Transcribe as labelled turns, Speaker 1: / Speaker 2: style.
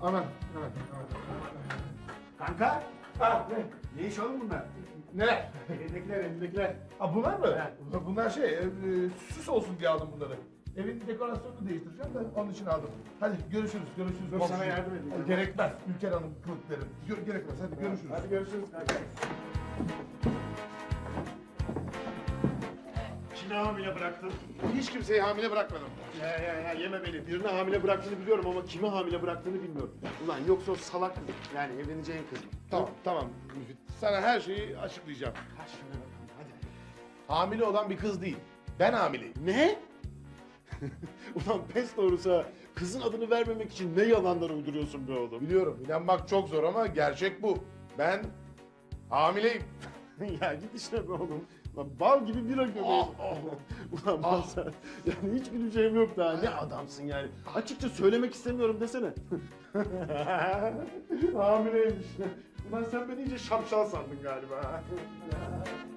Speaker 1: Aman.
Speaker 2: Kanka.
Speaker 1: Ha,
Speaker 2: Ne iş oğlum bunlar?
Speaker 1: neler?
Speaker 2: Elindekiler.
Speaker 1: Ha, bunlar mı?
Speaker 2: Evet.
Speaker 1: Bunlar süs olsun diye aldım bunları. Evin dekorasyonunu değiştireceğim de onun için aldım. Hadi görüşürüz.
Speaker 2: Dur,
Speaker 1: komşu.
Speaker 2: sana yardım edeyim.
Speaker 1: Hadi, gerekmez. Ülker Hanım kılıkları. Gerekmez. Hadi görüşürüz.
Speaker 2: Hadi görüşürüz kanka. Kimi hamile bıraktın?
Speaker 1: Hiç kimseyi hamile bırakmadım.
Speaker 2: Ya yeme beni. Birini hamile bıraktığını biliyorum ama kimi hamile bıraktığını bilmiyorum. Ulan yoksa o salak kız. Yani evleneceğin kız mı?
Speaker 1: Tamam Müfit. Sana her şeyi açıklayacağım.
Speaker 2: Kaç şuna bakalım hadi.
Speaker 1: Hamile olan bir kız değil. Ben hamileyim.
Speaker 2: Ne? Ulan pes doğrusu kızın adını vermemek için ne yalanlar uyduruyorsun be oğlum.
Speaker 1: Biliyorum inanmak çok zor ama gerçek bu. Ben hamileyim.
Speaker 2: Ya git işine be oğlum. Lan bal gibi bira göbeği. Ulan ben sen, yani hiç güleceğim yok daha. Ne adamsın yani. Açıkça söylemek istemiyorum desene. Hamileymiş. Ulan sen beni iyice şapşal sandın galiba.